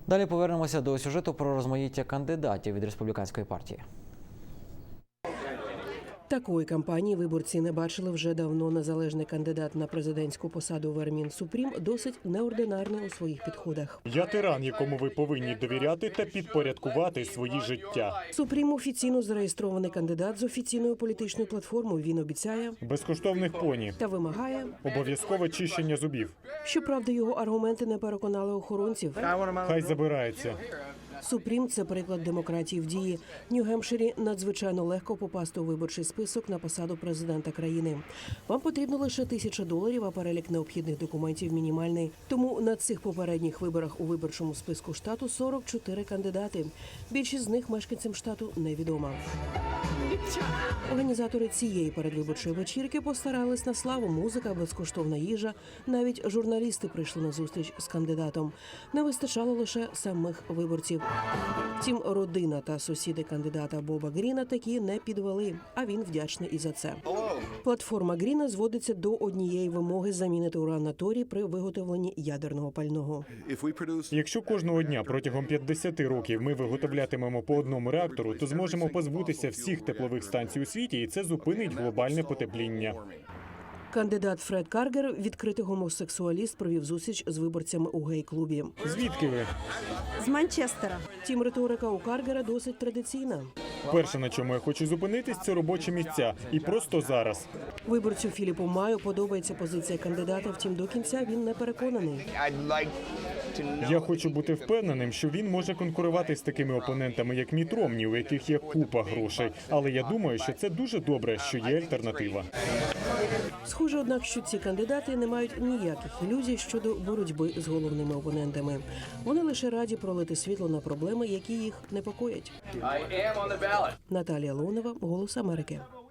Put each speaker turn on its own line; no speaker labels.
Далі повернемося до сюжету про розмаїття кандидатів від республіканської партії.
Такої кампанії виборці не бачили вже давно. Незалежний кандидат на президентську посаду Вермін Супрім досить неординарний у своїх підходах.
Я тиран, якому ви повинні довіряти та підпорядкувати свої життя.
Супрім офіційно зареєстрований кандидат з офіційною політичною платформою. Він обіцяє
Безкоштовних поні,
та вимагає.
обов'язкове чищення зубів.
Щоправда, його аргументи не переконали охоронців.
Хай забирається.
Супрім – це приклад демократії в дії. В Нью-Гемпширі надзвичайно легко попасти у виборчий список на посаду президента країни. Вам потрібно лише $1000, а перелік необхідних документів мінімальний. Тому на цих попередніх виборах у виборчому списку штату 44 кандидати. Більшість з них мешканцям штату невідома. Організатори цієї передвиборчої вечірки постарались на славу. Музика, безкоштовна їжа. Навіть журналісти прийшли на зустріч з кандидатом. Не вистачало лише самих виборців. Втім, родина та сусіди кандидата Боба Гріна такі не підвели, а він вдячний і за це. Платформа Гріна зводиться до однієї вимоги – замінити уран на торій при виготовленні ядерного пального.
Якщо кожного дня протягом 50 років ми виготовлятимемо по одному реактору, то зможемо позбутися всіх теплових станцій у світі, і це зупинить глобальне потепління.
Кандидат Фред Каргер, відкритий гомосексуаліст, провів зустріч з виборцями у гей-клубі.
Звідки ви?
З Манчестера.
Втім, риторика у Каргера досить традиційна.
Перше, на чому я хочу зупинитись, це робочі місця. І просто зараз.
Виборцю Філіпу Маю подобається позиція кандидата, втім до кінця він не переконаний.
Я хочу бути впевненим, що він може конкурувати з такими опонентами, як Міт Ромні, у яких є купа грошей. Але я думаю, що це дуже добре, що є альтернатива.
Схоже, однак, що ці кандидати не мають ніяких ілюзій щодо боротьби з головними опонентами. Вони лише раді пролити світло на проблеми, які їх непокоять. Наталія Леонова, «Голос Америки».